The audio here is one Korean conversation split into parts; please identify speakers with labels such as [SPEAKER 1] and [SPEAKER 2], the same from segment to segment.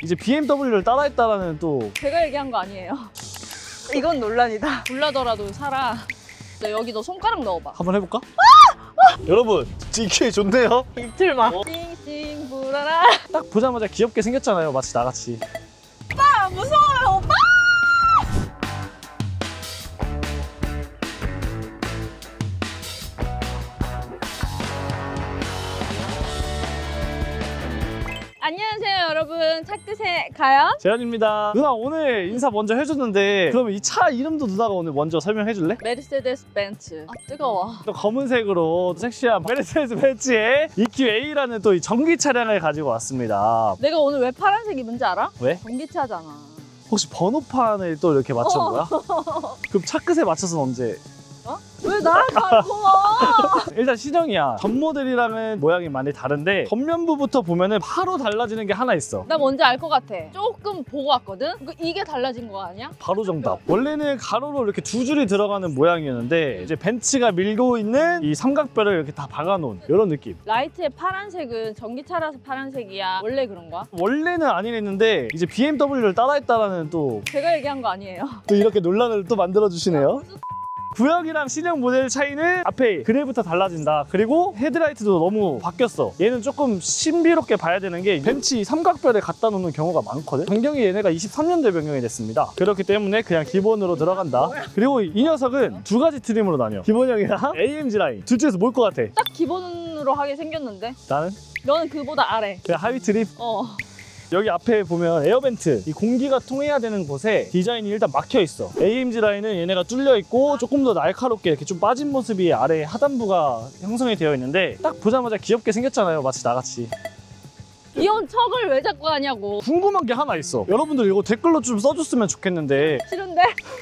[SPEAKER 1] 이제 BMW를 따라했다라는 또
[SPEAKER 2] 제가 얘기한 거 아니에요. 이건 논란이다. 불나더라도 살아. 너 여기 너 손가락 넣어봐.
[SPEAKER 1] 한번 해볼까? 여러분 GK 좋네요.
[SPEAKER 2] 이틀만. 싱싱 불어라.
[SPEAKER 1] 딱 보자마자 귀엽게 생겼잖아요, 마치 나같이.
[SPEAKER 2] 오빠 무서워요 오빠. 안녕하세요 여러분, 차끝에 가요.
[SPEAKER 1] 재현입니다. 누나 오늘 인사 먼저 해줬는데 그러면 이 차 이름도 누나가 오늘 먼저 설명해줄래?
[SPEAKER 2] 메르세데스 벤츠. 아 뜨거워.
[SPEAKER 1] 또 검은색으로 섹시한 메르세데스 벤츠의 EQA라는 또 이 전기 차량을 가지고 왔습니다.
[SPEAKER 2] 내가 오늘 왜 파란색 입은지 알아?
[SPEAKER 1] 왜?
[SPEAKER 2] 전기차잖아.
[SPEAKER 1] 혹시 번호판을 또 이렇게 맞춘 거야? 그럼 차 끝에 맞춰서는 언제?
[SPEAKER 2] 어? 왜 나를 갖고 와?
[SPEAKER 1] 일단 신형이야. 전 모델이랑은 모양이 많이 다른데 겉면부부터 보면은 바로 달라지는 게 하나 있어.
[SPEAKER 2] 나 뭔지 알 것 같아. 조금 보고 왔거든? 이게 달라진 거 아니야?
[SPEAKER 1] 바로 정답. 원래는 가로로 이렇게 두 줄이 들어가는 모양이었는데 이제 벤츠가 밀고 있는 이 삼각뼈를 이렇게 다 박아놓은 이런 느낌.
[SPEAKER 2] 라이트의 파란색은 전기차라서 파란색이야. 원래 그런 거야?
[SPEAKER 1] 원래는 아니랬는데 이제 BMW를 따라했다라는 또
[SPEAKER 2] 제가 얘기한 거 아니에요.
[SPEAKER 1] 이렇게 논란을 또 만들어주시네요. 구형이랑 신형 모델 차이는 앞에 그릴부터 달라진다. 그리고 헤드라이트도 너무 바뀌었어. 얘는 조금 신비롭게 봐야 되는 게 벤츠 삼각별에 갖다 놓는 경우가 많거든. 변경이 얘네가 23년도에 변경이 됐습니다. 그렇기 때문에 그냥 기본으로 들어간다. 그리고 이 녀석은 두 가지 트림으로 나뉘어. 기본형이랑 AMG 라인. 둘 중에서 뭘 것 같아?
[SPEAKER 2] 딱 기본으로 하게 생겼는데
[SPEAKER 1] 나는
[SPEAKER 2] 너는 그보다 아래.
[SPEAKER 1] 그냥 하위 트림. 여기 앞에 보면 에어벤트, 이 공기가 통해야 되는 곳에 디자인이 일단 막혀 있어. AMG 라인은 얘네가 뚫려 있고 조금 더 날카롭게 이렇게 좀 빠진 모습이 아래 하단부가 형성이 되어 있는데 딱 보자마자 귀엽게 생겼잖아요, 마치 나같이.
[SPEAKER 2] 이런 척을 왜 자꾸 하냐고.
[SPEAKER 1] 궁금한 게 하나 있어. 여러분들 이거 댓글로 좀 써줬으면 좋겠는데
[SPEAKER 2] 싫은데?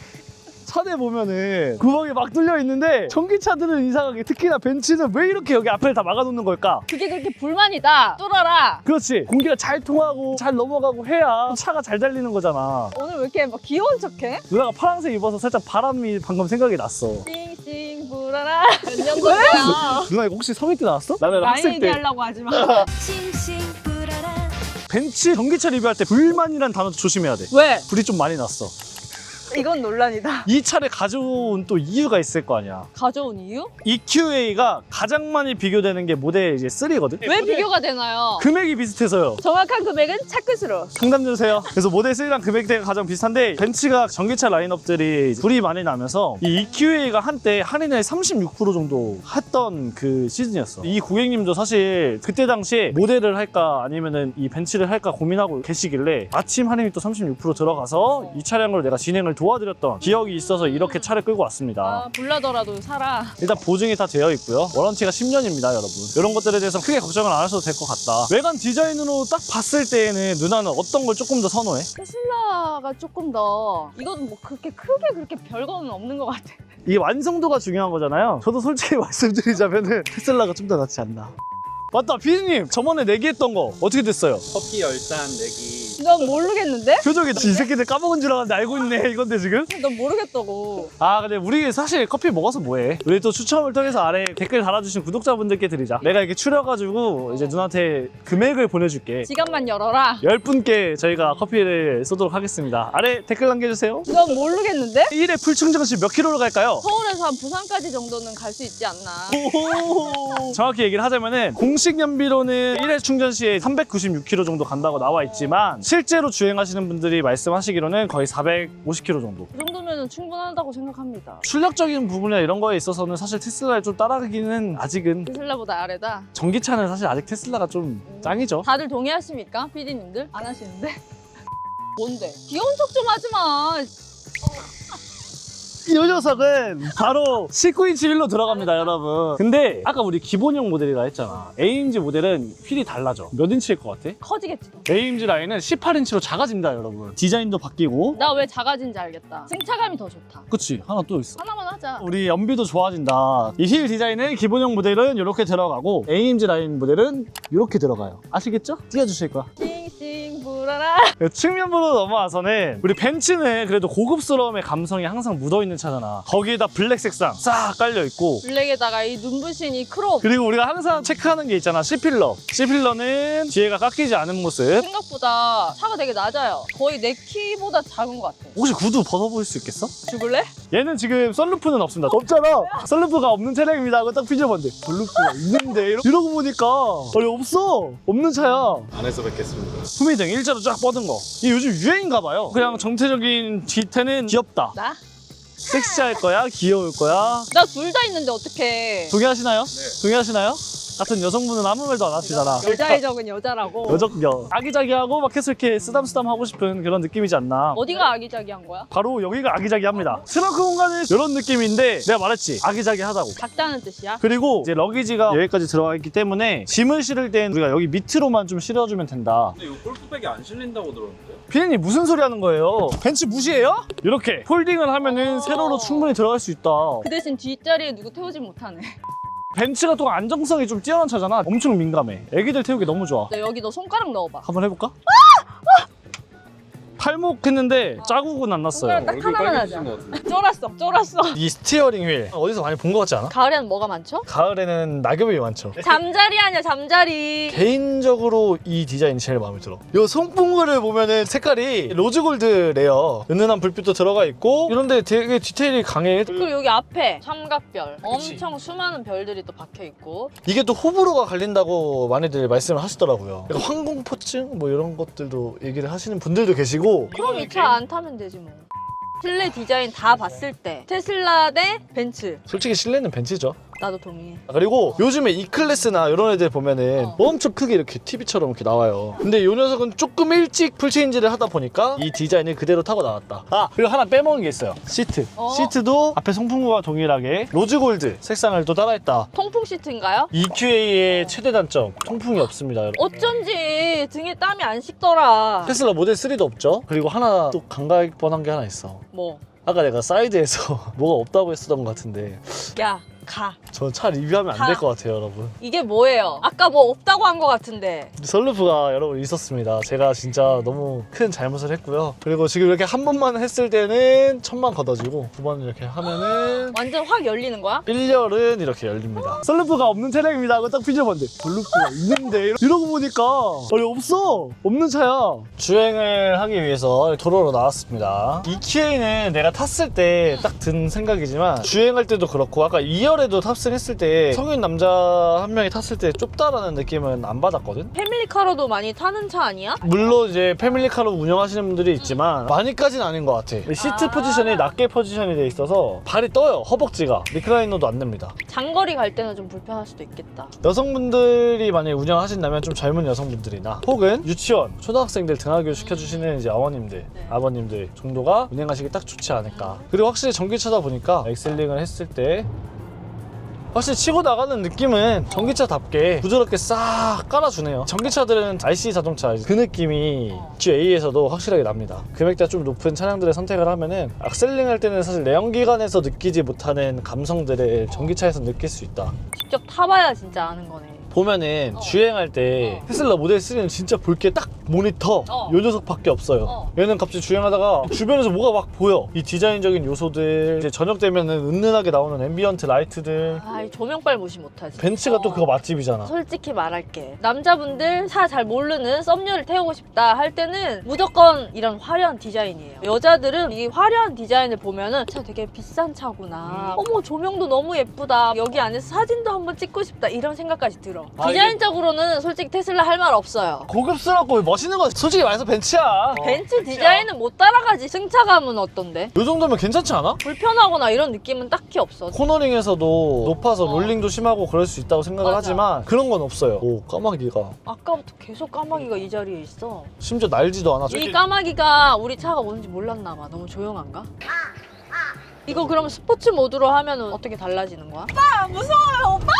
[SPEAKER 1] 차대 보면은 구멍이 막 뚫려 있는데 전기차들은 이상하게 특히나 벤츠는 왜 이렇게 여기 앞을 다 막아놓는 걸까?
[SPEAKER 2] 그게 그렇게 불만이다. 뚫어라.
[SPEAKER 1] 그렇지. 공기가 잘 통하고 잘 넘어가고 해야 차가 잘 달리는 거잖아.
[SPEAKER 2] 오늘 왜 이렇게 막 귀여운 척해?
[SPEAKER 1] 누나가 파란색 입어서 살짝 바람이 방금 생각이 났어.
[SPEAKER 2] 싱싱 불어라. 몇 년도야?
[SPEAKER 1] 누나 이거 혹시 성인 때 나왔어? 나는
[SPEAKER 2] 나이
[SPEAKER 1] 학생 때
[SPEAKER 2] 얘기하려고 하지 마.
[SPEAKER 3] 싱싱 불어라.
[SPEAKER 1] 벤츠 전기차 리뷰할 때 불만이란 단어 조심해야 돼.
[SPEAKER 2] 왜?
[SPEAKER 1] 불이 좀 많이 났어.
[SPEAKER 2] 이건 논란이다.
[SPEAKER 1] 이 차를 가져온 또 이유가 있을 거 아니야.
[SPEAKER 2] 가져온 이유?
[SPEAKER 1] EQA가 가장 많이 비교되는 게 모델 이제 3거든.
[SPEAKER 2] 왜 비교가 되나요?
[SPEAKER 1] 금액이 비슷해서요.
[SPEAKER 2] 정확한 금액은 차끝으로.
[SPEAKER 1] 상담 주세요. 그래서 모델 3랑 금액대가 가장 비슷한데 벤츠가 전기차 라인업들이 불이 많이 나면서 이 EQA가 한때 할인을 36% 정도 했던 그 시즌이었어. 이 고객님도 사실 그때 당시에 모델을 할까 아니면은 이 벤츠를 할까 고민하고 계시길래 마침 할인이 또 36% 들어가서 이 차량을 내가 진행을 도와드렸던 기억이 있어서 이렇게 차를 끌고 왔습니다.
[SPEAKER 2] 아, 불나더라도 살아.
[SPEAKER 1] 일단 보증이 다 되어 있고요. 워런티가 10년입니다, 여러분. 이런 것들에 대해서 크게 걱정을 안 하셔도 될 것 같다. 외관 디자인으로 딱 봤을 때에는 누나는 어떤 걸 조금 더 선호해?
[SPEAKER 2] 테슬라가 조금 더 이건 뭐 그렇게 크게 그렇게 별거는 없는 것 같아.
[SPEAKER 1] 이게 완성도가 중요한 거잖아요. 저도 솔직히 말씀드리자면은 테슬라가 좀 더 낫지 않나. 맞다, 피디님. 저번에 내기했던 거 어떻게 됐어요?
[SPEAKER 4] 커피 열잔 내기.
[SPEAKER 2] 넌 모르겠는데?
[SPEAKER 1] 표정이 이 새끼들 까먹은 줄 알았는데 알고 있네, 이건데 지금?
[SPEAKER 2] 넌 모르겠다고.
[SPEAKER 1] 아, 근데 우리 사실 커피 먹어서 뭐해? 우리 또 추첨을 통해서 아래 댓글 달아주신 구독자분들께 드리자. 내가 이렇게 추려가지고 이제 누나한테 금액을 보내줄게.
[SPEAKER 2] 지갑만 열어라.
[SPEAKER 1] 10분께 저희가 커피를 쏘도록 하겠습니다. 아래 댓글 남겨주세요.
[SPEAKER 2] 넌 모르겠는데?
[SPEAKER 1] 1회 풀충전 시 몇 킬로로 갈까요?
[SPEAKER 2] 서울에서 한 부산까지 정도는 갈 수 있지 않나.
[SPEAKER 1] 정확히 얘기를 하자면은 공식 연비로는 1회 충전 시에 396km 정도 간다고 나와 있지만 실제로 주행하시는 분들이 말씀하시기로는 거의 450km 정도.
[SPEAKER 2] 그 정도면 충분하다고 생각합니다.
[SPEAKER 1] 출력적인 부분이나 이런 거에 있어서는 사실 테슬라를 좀 따라가기는 아직은
[SPEAKER 2] 테슬라보다 아래다.
[SPEAKER 1] 전기차는 사실 아직 테슬라가 좀 짱이죠.
[SPEAKER 2] 다들 동의하십니까? PD님들? 안 하시는데? 뭔데? 귀여운 척 좀 하지 마.
[SPEAKER 1] 이 녀석은 바로 19인치 휠로 들어갑니다, 여러분. 근데 아까 우리 기본형 모델이라 했잖아. AMG 모델은 휠이 달라져. 몇 인치일 것 같아?
[SPEAKER 2] 커지겠지.
[SPEAKER 1] AMG 라인은 18인치로 작아집니다, 여러분. 디자인도 바뀌고.
[SPEAKER 2] 나 왜 작아진지 알겠다. 승차감이 더 좋다.
[SPEAKER 1] 그치, 하나 또 있어.
[SPEAKER 2] 하나만 하자.
[SPEAKER 1] 우리 연비도 좋아진다. 이 휠 디자인은 기본형 모델은 이렇게 들어가고 AMG 라인 모델은 이렇게 들어가요. 아시겠죠? 띄워주실 거야.
[SPEAKER 2] 싱싱 불어라.
[SPEAKER 1] 측면부로 넘어와서는 우리 벤츠는 그래도 고급스러움의 감성이 항상 묻어있는 차잖아. 거기에다 블랙 색상 싹 깔려있고,
[SPEAKER 2] 블랙에다가 이 눈부신 이 크롭.
[SPEAKER 1] 그리고 우리가 항상 체크하는 게 있잖아. C필러. C필러는 뒤에가 깎이지 않은 모습.
[SPEAKER 2] 생각보다 차가 되게 낮아요. 거의 내 키보다 작은 것 같아.
[SPEAKER 1] 혹시 구두 벗어볼 수 있겠어?
[SPEAKER 2] 죽을래?
[SPEAKER 1] 얘는 지금 썬루프는 없습니다. 없잖아. 썬루프가 없는 차량입니다 하고 딱 삐져봤는데 썬루프가 있는데 이러고 보니까 아니 없어. 없는 차야.
[SPEAKER 4] 안에서 뵙겠습니다.
[SPEAKER 1] 후미등 일자로 쫙 뻗은 거. 이게 요즘 유행인가 봐요. 그냥 정체적인 뒤태는 귀엽다.
[SPEAKER 2] 나?
[SPEAKER 1] 섹시할 거야? 귀여울 거야?
[SPEAKER 2] 나 둘 다 있는데 어떡해.
[SPEAKER 1] 동의하시나요?
[SPEAKER 4] 네.
[SPEAKER 1] 동의하시나요? 같은 여성분은 아무 말도 안 하시잖아.
[SPEAKER 2] 여자의 적은 여자라고.
[SPEAKER 1] 여적여. 아기자기하고 막 계속 이렇게 쓰담쓰담 하고 싶은 그런 느낌이지 않나.
[SPEAKER 2] 어디가 아기자기한 거야?
[SPEAKER 1] 바로 여기가 아기자기합니다. 트렁크 공간은 이런 느낌인데 내가 말했지. 아기자기하다고.
[SPEAKER 2] 작다는 뜻이야?
[SPEAKER 1] 그리고 이제 러기지가 여기까지 들어가 있기 때문에 짐을 실을 땐 우리가 여기 밑으로만 좀 실어주면 된다.
[SPEAKER 4] 근데 이거 골프백이 안 실린다고 들었는데?
[SPEAKER 1] 피디님 무슨 소리 하는 거예요? 벤츠 무시해요? 이렇게 폴딩을 하면은 세로로 충분히 들어갈 수 있다.
[SPEAKER 2] 그 대신 뒷자리에 누구 태우지 못하네.
[SPEAKER 1] 벤츠가 또 안정성이 좀 뛰어난 차잖아. 엄청 민감해. 애기들 태우기 너무 좋아.
[SPEAKER 2] 나 여기 너 손가락 넣어봐.
[SPEAKER 1] 한번 해볼까? 팔목 했는데 자국은 안 났어요.
[SPEAKER 2] 손가락 딱 하나만 하자.
[SPEAKER 4] 것 같은데?
[SPEAKER 2] 쫄았어.
[SPEAKER 1] 이 스티어링 휠 어디서 많이 본 것 같지 않아?
[SPEAKER 2] 가을에는 뭐가 많죠?
[SPEAKER 1] 가을에는 낙엽이 많죠.
[SPEAKER 2] 잠자리 아니야, 잠자리.
[SPEAKER 1] 개인적으로 이 디자인이 제일 마음에 들어. 이 송풍구를 보면은 색깔이 로즈골드 레어 은은한 불빛도 들어가 있고 이런데 되게 디테일이 강해.
[SPEAKER 2] 그리고 여기 앞에 삼각별.
[SPEAKER 1] 그치.
[SPEAKER 2] 엄청 수많은 별들이 또 박혀 있고.
[SPEAKER 1] 이게 또 호불호가 갈린다고 많이들 말씀을 하시더라고요. 그러니까 항공포증 뭐 이런 것들도 얘기를 하시는 분들도 계시고.
[SPEAKER 2] 그럼 이 차 안 타면 되지 뭐. 실내 디자인 다 봤을 때 테슬라 대 벤츠.
[SPEAKER 1] 솔직히 실내는 벤츠죠.
[SPEAKER 2] 나도 동의해.
[SPEAKER 1] 그리고 요즘에 E클래스나 이런 애들 보면은
[SPEAKER 2] 어.
[SPEAKER 1] 엄청 크게 이렇게 TV처럼 이렇게 나와요. 근데 이 녀석은 조금 일찍 풀체인지를 하다 보니까 이 디자인을 그대로 타고 나왔다. 아, 그리고 하나 빼먹은 게 있어요. 시트. 시트도 앞에 송풍구와 동일하게 로즈골드 색상을 또 따라했다.
[SPEAKER 2] 통풍 시트인가요?
[SPEAKER 1] EQA의 최대 단점, 통풍이 없습니다, 여러분.
[SPEAKER 2] 어쩐지 등에 땀이 안 식더라.
[SPEAKER 1] 테슬라 모델 3도 없죠? 그리고 하나 또 감갈 뻔한 게 하나 있어.
[SPEAKER 2] 뭐?
[SPEAKER 1] 아까 내가 사이드에서 뭐가 없다고 했었던 것 같은데
[SPEAKER 2] 야, 가.
[SPEAKER 1] 저 차 리뷰하면 안 될 것 같아요, 여러분.
[SPEAKER 2] 이게 뭐예요? 아까 뭐 없다고 한 것 같은데.
[SPEAKER 1] 썬루프가 여러분 있었습니다. 제가 진짜 너무 큰 잘못을 했고요. 그리고 지금 이렇게 한 번만 했을 때는 1000만 걷어지고 두 번 이렇게 하면은
[SPEAKER 2] 완전 확 열리는 거야?
[SPEAKER 1] 1열은 이렇게 열립니다. 썬루프가 없는 차량입니다 하고 딱 삐져봤는데 썬루프가 있는데 이러고 보니까 아니 없어. 없는 차야. 주행을 하기 위해서 도로로 나왔습니다. EQA는 내가 탔을 때 딱 든 생각이지만 주행할 때도 그렇고 아까 2열에도 탑승했을 때 성인 남자 한 명이 탔을 때 좁다라는 느낌은 안 받았거든?
[SPEAKER 2] 패밀리카로도 많이 타는 차 아니야?
[SPEAKER 1] 물론 이제 패밀리카로 운영하시는 분들이 있지만 많이까지는 아닌 것 같아. 시트 포지션이 낮게 포지션이 돼 있어서 발이 떠요. 허벅지가. 리클라이너도 안 됩니다.
[SPEAKER 2] 장거리 갈 때는 좀 불편할 수도 있겠다.
[SPEAKER 1] 여성분들이 만약에 운영하신다면 좀 젊은 여성분들이나 혹은 유치원, 초등학생들 등하교 시켜주시는 이제 어머님들, 아버님들 정도가 운행하시기 딱 좋지 않을까. 그리고 확실히 전기차다 보니까 엑셀링을 했을 때 확실히 치고 나가는 느낌은 전기차답게 부드럽게 싹 깔아주네요. 전기차들은 RC 자동차 그 느낌이 EQA에서도 확실하게 납니다. 금액대가 좀 높은 차량들을 선택을 하면은 악셀링 할 때는 사실 내연기관에서 느끼지 못하는 감성들을 전기차에서 느낄 수 있다.
[SPEAKER 2] 직접 타봐야 진짜 아는 거네.
[SPEAKER 1] 보면은 주행할 때 테슬라 모델 3는 진짜 볼 게 딱 모니터 요 녀석밖에 없어요. 얘는 갑자기 주행하다가 주변에서 뭐가 막 보여. 이 디자인적인 요소들, 이제 저녁 되면은 은은하게 나오는 앰비언트 라이트들.
[SPEAKER 2] 아, 이 조명빨 무시 못하지.
[SPEAKER 1] 벤츠가 또 그거 맛집이잖아.
[SPEAKER 2] 솔직히 말할게. 남자분들 차 잘 모르는 썸녀를 태우고 싶다 할 때는 무조건 이런 화려한 디자인이에요. 여자들은 이 화려한 디자인을 보면은 차 되게 비싼 차구나. 어머, 조명도 너무 예쁘다. 여기 안에서 사진도 한번 찍고 싶다. 이런 생각까지 들어.
[SPEAKER 1] 아,
[SPEAKER 2] 디자인적으로는 솔직히 테슬라 할 말 없어요.
[SPEAKER 1] 고급스럽고 멋있는 건 솔직히 말해서 벤츠야.
[SPEAKER 2] 벤츠 디자인은 못 따라가지. 승차감은 어떤데?
[SPEAKER 1] 요 정도면 괜찮지 않아?
[SPEAKER 2] 불편하거나 이런 느낌은 딱히 없어.
[SPEAKER 1] 코너링에서도 높아서 롤링도 심하고 그럴 수 있다고 생각을
[SPEAKER 2] 맞아.
[SPEAKER 1] 하지만 그런 건 없어요. 오, 까마귀가
[SPEAKER 2] 아까부터 계속 까마귀가 이 자리에 있어.
[SPEAKER 1] 심지어 날지도 않아.
[SPEAKER 2] 이 까마귀가 우리 차가 뭔지 몰랐나 봐. 너무 조용한가? 이거 그럼 스포츠 모드로 하면 어떻게 달라지는 거야? 오빠 무서워요 오빠!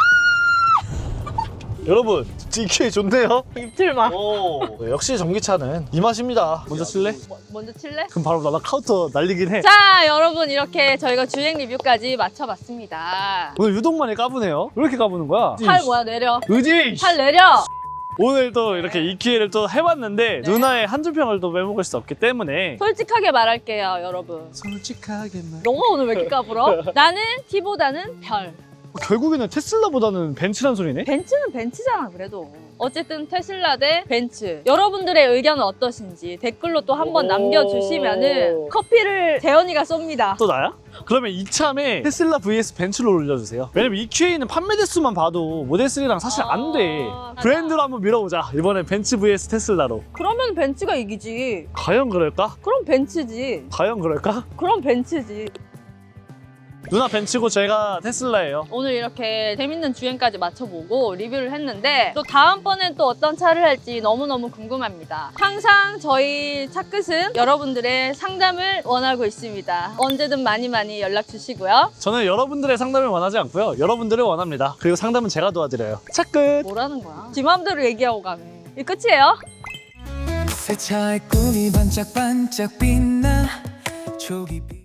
[SPEAKER 1] 여러분 EQA 좋네요.
[SPEAKER 2] 입틀마.
[SPEAKER 1] 오, 역시 전기차는 이 맛입니다. 먼저 칠래?
[SPEAKER 2] 먼저 칠래?
[SPEAKER 1] 그럼 바로 나 카운터 날리긴 해.
[SPEAKER 2] 자 여러분 이렇게 저희가 주행 리뷰까지 마쳐봤습니다.
[SPEAKER 1] 오늘 유독 많이 까부네요. 왜 이렇게 까부는 거야?
[SPEAKER 2] 팔 뭐야 내려.
[SPEAKER 1] 의지!
[SPEAKER 2] 팔 내려.
[SPEAKER 1] 오늘 또 이렇게 이 기회를 또 해봤는데
[SPEAKER 2] 네.
[SPEAKER 1] 누나의 한줄 평을 또 빼먹을 수 없기 때문에
[SPEAKER 2] 솔직하게 말할게요, 여러분.
[SPEAKER 1] 솔직하게 말.
[SPEAKER 2] 너가 오늘 왜 이렇게 까불어? 나는 T보다는 별.
[SPEAKER 1] 결국에는 테슬라보다는 벤츠란 소리네?
[SPEAKER 2] 벤츠는 벤츠잖아, 그래도. 어쨌든 테슬라 대 벤츠. 여러분들의 의견은 어떠신지 댓글로 또 한번
[SPEAKER 1] 오.
[SPEAKER 2] 남겨주시면은 커피를 재현이가 쏩니다.
[SPEAKER 1] 또 나야? 그러면 이참에 테슬라 vs 벤츠로 올려주세요. 왜냐면 EQA는 판매 대수만 봐도 모델 3랑 사실 안 돼.
[SPEAKER 2] 아,
[SPEAKER 1] 브랜드로 한번 밀어보자. 이번엔 벤츠 vs 테슬라로.
[SPEAKER 2] 그러면 벤츠가 이기지.
[SPEAKER 1] 과연 그럴까?
[SPEAKER 2] 그럼 벤츠지.
[SPEAKER 1] 과연 그럴까?
[SPEAKER 2] 그럼 벤츠지.
[SPEAKER 1] 누나 벤츠고 제가 테슬라예요.
[SPEAKER 2] 오늘 이렇게 재밌는 주행까지 맞춰보고 리뷰를 했는데 또 다음번엔 또 어떤 차를 할지 너무너무 궁금합니다. 항상 저희 차끝은 여러분들의 상담을 원하고 있습니다. 언제든 많이 연락 주시고요.
[SPEAKER 1] 저는 여러분들의 상담을 원하지 않고요. 여러분들을 원합니다. 그리고 상담은 제가 도와드려요. 차 끝!
[SPEAKER 2] 뭐라는 거야? 지 마음대로 얘기하고 가네. 이 끝이에요?
[SPEAKER 5] 새 차의 꿈이 반짝반짝 빛나 초기 빛